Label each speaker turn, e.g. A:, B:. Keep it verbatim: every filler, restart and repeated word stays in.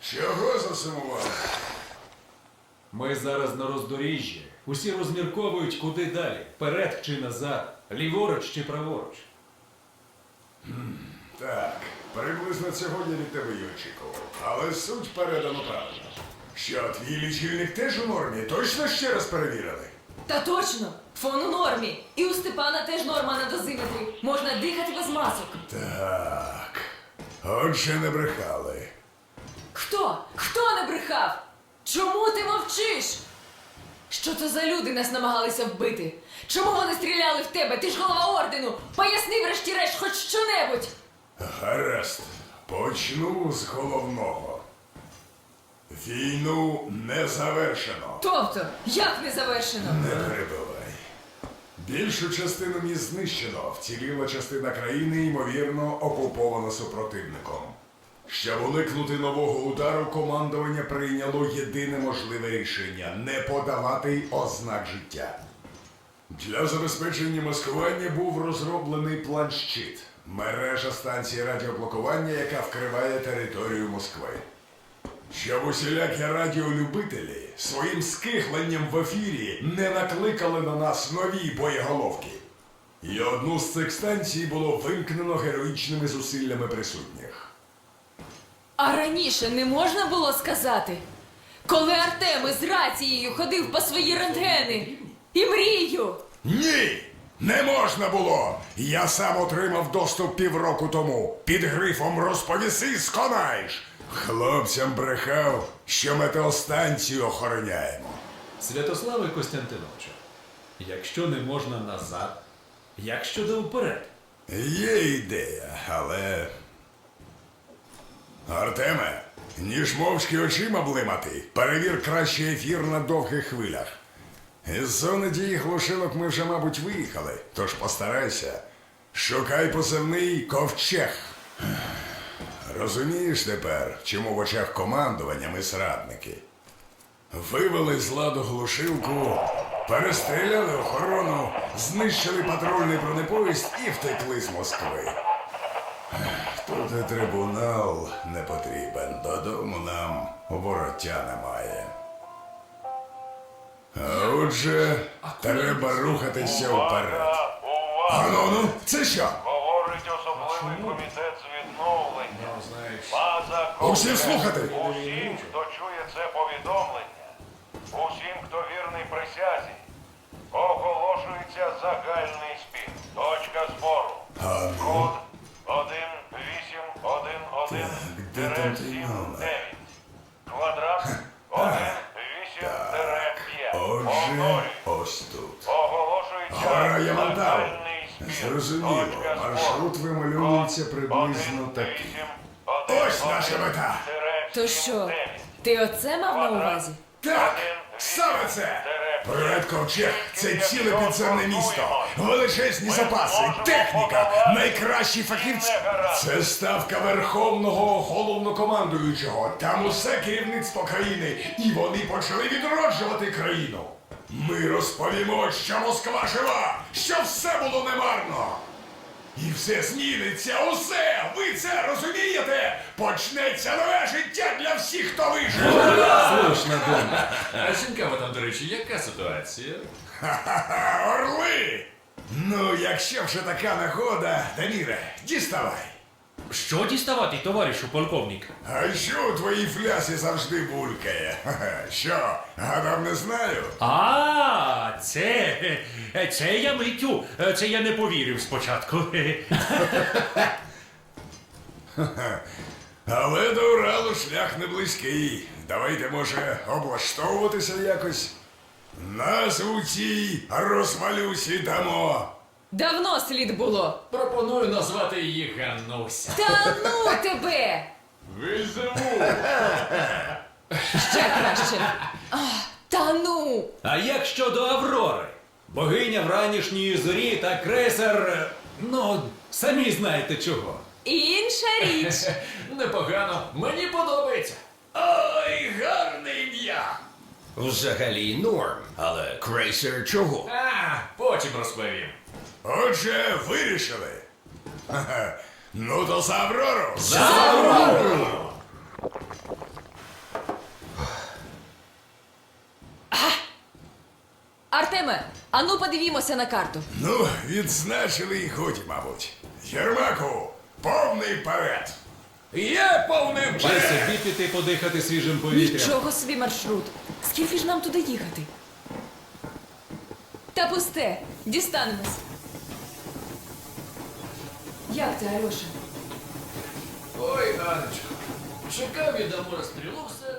A: Чого засумував?
B: Ми зараз на роздоріжжі. Усі розмірковують, куди далі. Вперед чи назад, ліворуч чи праворуч.
A: Так, приблизно цього я від тебе й очікував. Але суть передано правильно. Що, твій лічильник теж у нормі? Точно ще раз перевірили?
C: Та точно! Фон у нормі. І у Степана теж норма на дозиметрі. Можна дихати без масок.
A: Так. Отже, не брехали.
C: Хто? Хто не брехав? Чому ти мовчиш? Що це за люди нас намагалися вбити? Чому вони стріляли в тебе? Ти ж голова ордену! Поясни врешті-решт хоч що-небудь!
A: Гаразд. Почну з головного. Війну не завершено.
C: Тобто, як не завершено?
A: Не перебивай. Більшу частину міст знищено, вціліла частина країни, ймовірно, окупована супротивником. Щоб уникнути нового удару, командування прийняло єдине можливе рішення – не подавати ознак життя. Для забезпечення маскування був розроблений план-щит – мережа станцій радіоблокування, яка вкриває територію Москви. Щоб усілякі радіолюбителі своїм скихленням в ефірі не накликали на нас нові боєголовки. І одну з цих станцій було вимкнено героїчними зусиллями присутніх.
C: А раніше не можна було сказати? Коли Артем із рацією ходив по свої рентгени і мрію.
A: Ні! Не можна було! Я сам отримав доступ півроку тому. Під грифом «Розповіси, сконаєш!» Хлопцям брехав, що метеостанцію охороняємо.
B: Святославе Костянтиновичу, якщо не можна назад, як щодо вперед?
A: Є ідея, але... Артеме, ніж мовчки очима блимати, перевір краще ефір на довгих хвилях. Із зони дії глушилок ми вже, мабуть, виїхали, тож постарайся. Шукай позивний «Ковчег». Розумієш тепер, чому в очах командування ми зрадники? Вивели з ладу глушилку, перестріляли охорону, знищили патрульний бронепоїзд і втекли з Москви. Тут і трибунал не потрібен, додому нам вороття немає. А отже, треба рухатися вперед. Ану, ну, це що?
D: Говорить особливий комітет з відновлення. База
A: Усім слухати!
D: Усім, хто чує це повідомлення, усім, хто вірний присязі, оголошується загальний спів. Точка збору. Код один вісім один один
A: де там той номер?
D: дев'ять. Квадрат один вісім п'ять.
A: Отже, ось тут.
D: Оголошується
A: Гора Ямантау.
D: загальний спів.
A: Зрозуміло,
D: Точка збору.
A: маршрут вимальовується приблизно такий. Ось наша мета!
C: То що, ти оце мав на увазі?
A: Так, саме це! Проект «Ковчег» – це ціле підземне місто, величезні запаси, техніка, найкращі фахівці. Це ставка Верховного Головнокомандуючого. Там усе керівництво країни, і вони почали відроджувати країну. Ми розповімо, що Москва жива, що все було немарно. І все зміниться, усе! Ви це розумієте? Почнеться нове життя для всіх, хто вижив!
B: Слушна думка.
E: А цікаво там, до речі, яка ситуація?
A: Ха-ха-ха, орли! Ну, якщо вже така нагода, Даміре, діставай.
F: Що діставати, товаришу полковник?
A: А що у твоїй флясі завжди булькає? Ха-ха, що, гадав, не знаю?
F: А, це, це я миттю, це я не повірив спочатку.
A: Але до Уралу шлях не близький. Давайте, може, облаштовуватися якось? Назву цій розвалюсі дамо.
C: Давно слід було.
E: Пропоную назвати її Ганнуся.
C: Та ну тебе!
E: Візьму!
C: Ще краще. А, та ну!
B: А як щодо Аврори? Богиня вранішньої зорі та крейсер... Ну, самі знаєте чого.
C: Інша річ.
E: Непогано, мені подобається.
A: Ой, гарне ім'я!
G: Взагалі норм, але крейсер чого?
E: А, потім розповім.
A: Отже, вирішили. Ха-ха. Ну то за Аврору!
G: За Аврору!
C: Ану, подивімося на карту.
A: Ну, відзначили і годі, мабуть. Єрмаку, повний вперед!
G: Є повним
B: Чи собі піти подихати свіжим повітрям?
C: Нічого собі маршрут. Скільки ж нам туди їхати? Та пусте, дістанемось. Як ти, Альоша?
E: Ой, Анечко, чекав від Амура стрілу все